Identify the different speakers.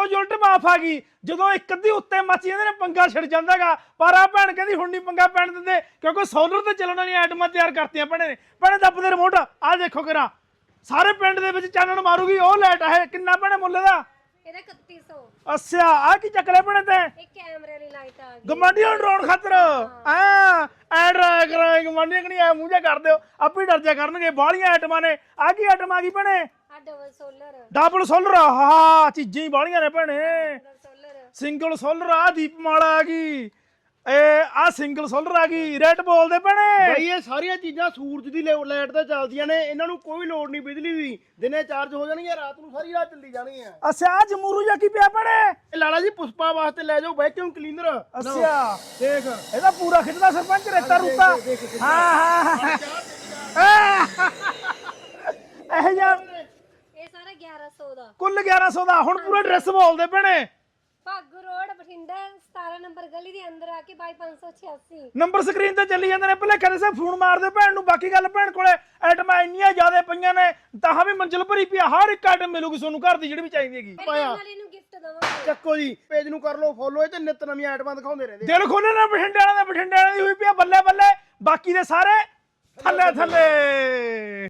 Speaker 1: ਉਲਟ ਮਾਫ ਆ ਗਈ ਜਦੋਂ ਇੱਕ ਅੱਧੀ ਉੱਤੇ ਮੱਚ ਜਾਂਦੇ ਨੇ ਪੰਗਾ ਛਿੜ ਜਾਂਦਾਗਾ। ਪਰ ਆ ਭੈਣ ਕਹਿੰਦੀ ਹੁਣ ਨਹੀਂ ਪੰਗਾ ਪੈਣ ਦਿੰਦੇ ਕਿਉਂਕਿ ਸੋਲਰ ਤੇ ਚੱਲਣ ਵਾਲੀਆਂ ਆਈਟਮਾਂ ਤਿਆਰ ਕਰਤੀਆਂ ਭੈਣੇ ਨੇ। ਭੈਣੇ ਦੱਬਦੇ ਰਿਮੋਟ ਆ ਦੇਖੋ ਕਿਰਾ ਸਾਰੇ ਪਿੰਡ ਦੇ ਵਿੱਚ ਚਾਨਣ ਮਾਰੂਗੀ ਉਹ ਲਾਈਟ ਹੈ। ਕਿੰਨਾ ਭੈਣੇ ਮੁੱਲ ਦਾ?
Speaker 2: ਇਹਦਾ 3100।
Speaker 1: ਅੱਛਾ ਆ ਕੀ ਚੱਕ ਲਿਆ ਭੈਣੇ ਤੇ?
Speaker 2: ਇਹ ਕੈਮਰੇ ਵਾਲੀ ਲਾਈਟ ਆ ਗਈ
Speaker 1: ਗਵਾਂਢੀਆਂ ਨੂੰ ਡਰਾਉਣ ਖਾਤਰ ਐ ਡਰਾਇਆ ਕਰਾਂ ਗਵਾਂਢੀਆਂ ਕਣੀ ਐ ਮੂੰਹ ਜਾ ਕਰ ਦਿਓ ਆਪੇ ਡਰ ਜਾ ਕਰਨਗੇ। ਬਾਹਲੀਆਂ ਆਈਟਮਾਂ ਨੇ। ਆ ਕੀ ਆਈਟਮ ਆ ਗਈ ਭੈਣੇ?
Speaker 2: ਆ ਡਬਲ ਸੋਲਰ।
Speaker 1: ਡਬਲ ਸੋਲਰ ਹਾਂ ਚੀਜ਼ਾਂ ਹੀ ਬਾਹਲੀਆਂ ਨੇ ਭੈਣੇ।
Speaker 2: ਸੋਲਰ
Speaker 1: ਸਿੰਗਲ ਸੋਲਰ ਆ ਦੀਪਮਾਲਾ ਆ ਗਈ ਆ ਸਿੰਗਲ ਸੋਲਰ ਆ ਗਈ। ਰੇਟ ਬੋਲਦੇ ਭੈਣੇ
Speaker 3: ਬਈ ਇਹ ਸਾਰੀਆਂ ਚੀਜ਼ਾਂ ਸੂਰਜ ਦੀ ਲਾਈਟ ਤੇ ਚੱਲਦੀਆਂ ਨੇ। ਇਹਨਾਂ ਨੂੰ ਕੋਈ ਲੋੜ ਨਹੀਂ ਬਿਜਲੀ ਦੀ। ਦਿਨੇ ਚਾਰਜ ਹੋ ਜਾਣਗੀਆਂ ਰਾਤ ਨੂੰ ਸਾਰੀ ਰਾਤ ਚੱਲੀ ਜਾਣਗੀਆਂ।
Speaker 1: ਅੱਛਾ ਆ ਜਮੂਰੂ ਜਾ ਕੀ ਪਿਆ ਭੈਣੇ?
Speaker 3: ਇਹ ਲਾਲਾ ਜੀ ਪੁਸ਼ਪਾ ਵਾਸਤੇ ਲੈ ਜਾਓ ਵੈਕਿਊਮ ਕਲੀਨਰ।
Speaker 1: ਅੱਛਾ
Speaker 3: ਦੇਖ
Speaker 1: ਇਹਦਾ ਪੂਰਾ ਖਿੱਚਦਾ ਸਰਪੰਚ ਰੇਤਾ ਰੂਤਾ। ਹਾਂ ਇਹ ਯਾਰ
Speaker 2: ਇਹ ਸਾਰਾ 1100 ਦਾ।
Speaker 1: ਕੁੱਲ 1100 ਦਾ। ਹੁਣ ਪੂਰਾ ਡਰੈਸ ਬੋਲਦੇ ਭੈਣੇ।
Speaker 2: ਭਾਗੂ ਰੋਡ ਬਠਿੰਡਾ 17 ਨੰਬਰ ਗਲੀ ਦੇ ਅੰਦਰ ਆ ਕੇ 586।
Speaker 1: ਨੰਬਰ ਸਕਰੀਨ ਤੇ ਚੱਲੀ ਜਾਂਦੇ ਨੇ। ਭਲੇਖੇ ਦੇ ਫੋਨ ਮਾਰ ਦਿਓ ਭੈਣ ਨੂੰ। ਬਾਕੀ ਗੱਲ ਭੈਣ ਕੋਲੇ ਆਈਟਮਾਂ ਇੰਨੀਆਂ ਜ਼ਿਆਦਾ ਪਈਆਂ ਨੇ ਤਾਂ ਵੀ ਮੰਜ਼ਿਲ ਭਰੀ ਪਈ। ਹਰ ਇੱਕ ਆਈਟਮ ਮਿਲੂਗੀ ਤੁਹਾਨੂੰ ਘਰ ਦੀ ਜਿਹੜੀ ਵੀ ਚਾਹੀਦੀ ਹੈਗੀ।
Speaker 2: ਨਾਲ ਇਹਨੂੰ ਗਿਫਟ ਦਵਾਂਗੇ।
Speaker 3: ਚੱਕੋ ਜੀ ਪੇਜ ਨੂੰ ਕਰ ਲਓ ਫੋਲੋ। ਇਹ ਤੇ ਨਿਤ ਨਵੀਆਂ ਆਈਟਮਾਂ ਦਿਖਾਉਂਦੇ ਰਹਿੰਦੇ।
Speaker 1: ਦਿਲ ਖੋਲ੍ਹੇ ਨਾ ਬਠਿੰਡੇ ਵਾਲਿਆਂ ਦਾ। ਬਠਿੰਡੇ ਵਾਲਿਆਂ ਦੀ ਹੋਈ ਪਈ ਆ ਬੱਲੇ ਬੱਲੇ। ਬਾਕੀ ਦੇ ਸਾਰੇ ਥੱਲੇ ਥੱਲੇ।